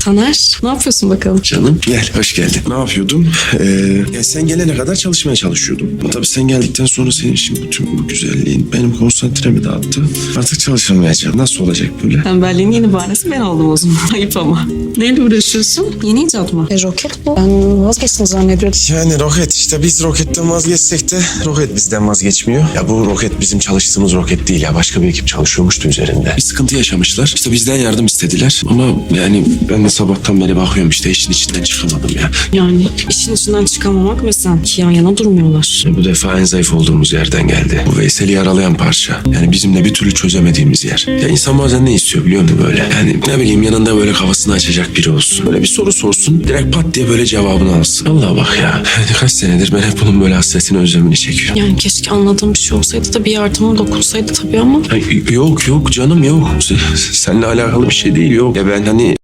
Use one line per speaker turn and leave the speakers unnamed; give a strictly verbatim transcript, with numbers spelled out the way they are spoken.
Taner, ne yapıyorsun bakalım?
Canım gel, hoş geldin. Ne yapıyordum? Ee, ya sen gelene kadar çalışmaya çalışıyordum. Ama tabii sen geldikten sonra senin için bütün bu güzelliğin benim konsantremi dağıttı. Artık çalışamayacağım. Nasıl olacak böyle?
Tembelliğin yeni bahanesi ben oldum o zaman. Ayıp ama. Neyle uğraşıyorsun? Yeni icat mı?
E, roket bu. Ben vazgeçtim zannediyordum.
Yani roket işte biz roketten vazgeçsek de roket bizden vazgeçmiyor. Ya bu roket bizim çalıştığımız roket değil ya. Başka bir ekip çalışıyormuştu üzerinde. Bir sıkıntı yaşamışlar. İşte bizden yardım istediler. Ama yani ben de sabahtan beri bakıyorum işte işin içinden çıkamadım ya.
Yani işin içinden çıkamamak ve sen ki yan yana durmuyorlar.
Bu defa en zayıf olduğumuz yerden geldi. Bu Veysel'i yaralayan parça. Yani bizim de bir türlü çözemediğimiz yer. Ya insan bazen ne istiyor biliyor musun böyle? Yani ne bileyim yanında böyle kafasını açacak biri olsun. Böyle bir soru sorsun. Direkt pat diye böyle cevabını alsın. Allah bak ya. Yani kaç senedir ben hep bunun böyle hasretini özlemini çekiyorum.
Yani keşke anladığım bir şey olsaydı da bir yardımım dokunsaydı tabii ama.
Ya yok yok canım yok. Seninle alakalı bir şey değil yok. Ya ben hani